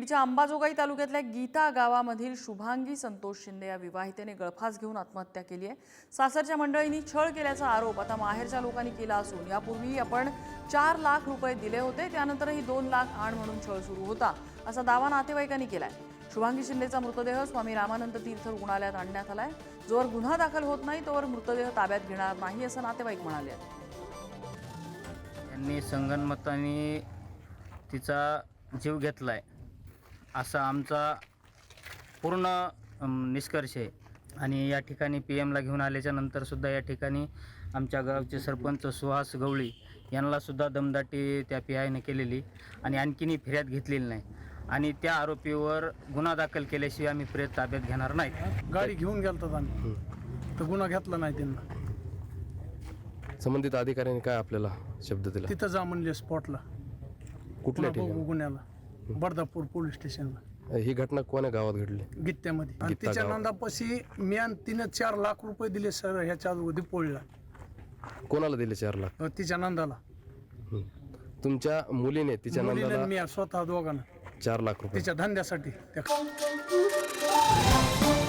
बीडच्या अंबाजोगाई तालुक्यातल्या गीता गावामधील शुभांगी संतोष शिंदे या विवाहितेने गळफास घेऊन आत्महत्या केली आहे। सासरच्या मंडळींनी छळ केल्याचा आरोप आता माहेरच्या लोकांनी केला असून यापूर्वी आपण 4 लाख रुपये दिले होते, त्यानंतरही 2 लाख आण म्हणून छळ सुरू होता असा दावा नातेवाईकांनी केलाय। शुभांगी शिंदेचा मृतदेह स्वामी रामानंद तीर्थ रुग्णालयात आणण्यात आलाय। जोवर गुन्हा दाखल होत नाही तोवर मृतदेह ताब्यात घेणार नाही असं नातेवाईक म्हणाले। यांनी संगनमताने तिचा जीव घेतलाय असा आमचा पूर्ण निष्कर्ष आहे। आणि या ठिकाणी पीएमला घेऊन आल्याच्या नंतर सुद्धा या ठिकाणी आमच्या गावचे सरपंच सुहास गवळी यांना सुद्धा दमदाटी त्या पीआयने केलेली आणि आणखीनही फिर्याद घेतलेली नाही आणि त्या आरोपीवर गुन्हा दाखल केल्याशिवाय आम्ही प्रेत ताब्यात घेणार नाही। गाडी घेऊन गेलतात आम्ही तर गुन्हा घेतला नाही त्यांना। संबंधित अधिकाऱ्यांनी काय आपल्याला शब्द दिला? तिथं जा म्हणले स्पॉटला, कुठल्या ठिकाणी? गुन्ह्याला बर्दापूर पोलीस स्टेशनला। ही घटना कोण्या गावात घडली? गित्त्यामध्ये। आणि तिच्या नंदापाशी मी आणि तिने 4 लाख रुपये दिले सर ह्याच्या दिपोळीला। कोणाला दिले 4 लाख? तिच्या नंदाला। तुमच्या मुलीने तिच्या नंदाला मी स्वतः दोघांना 4 लाख रुपये तिच्या धंद्यासाठी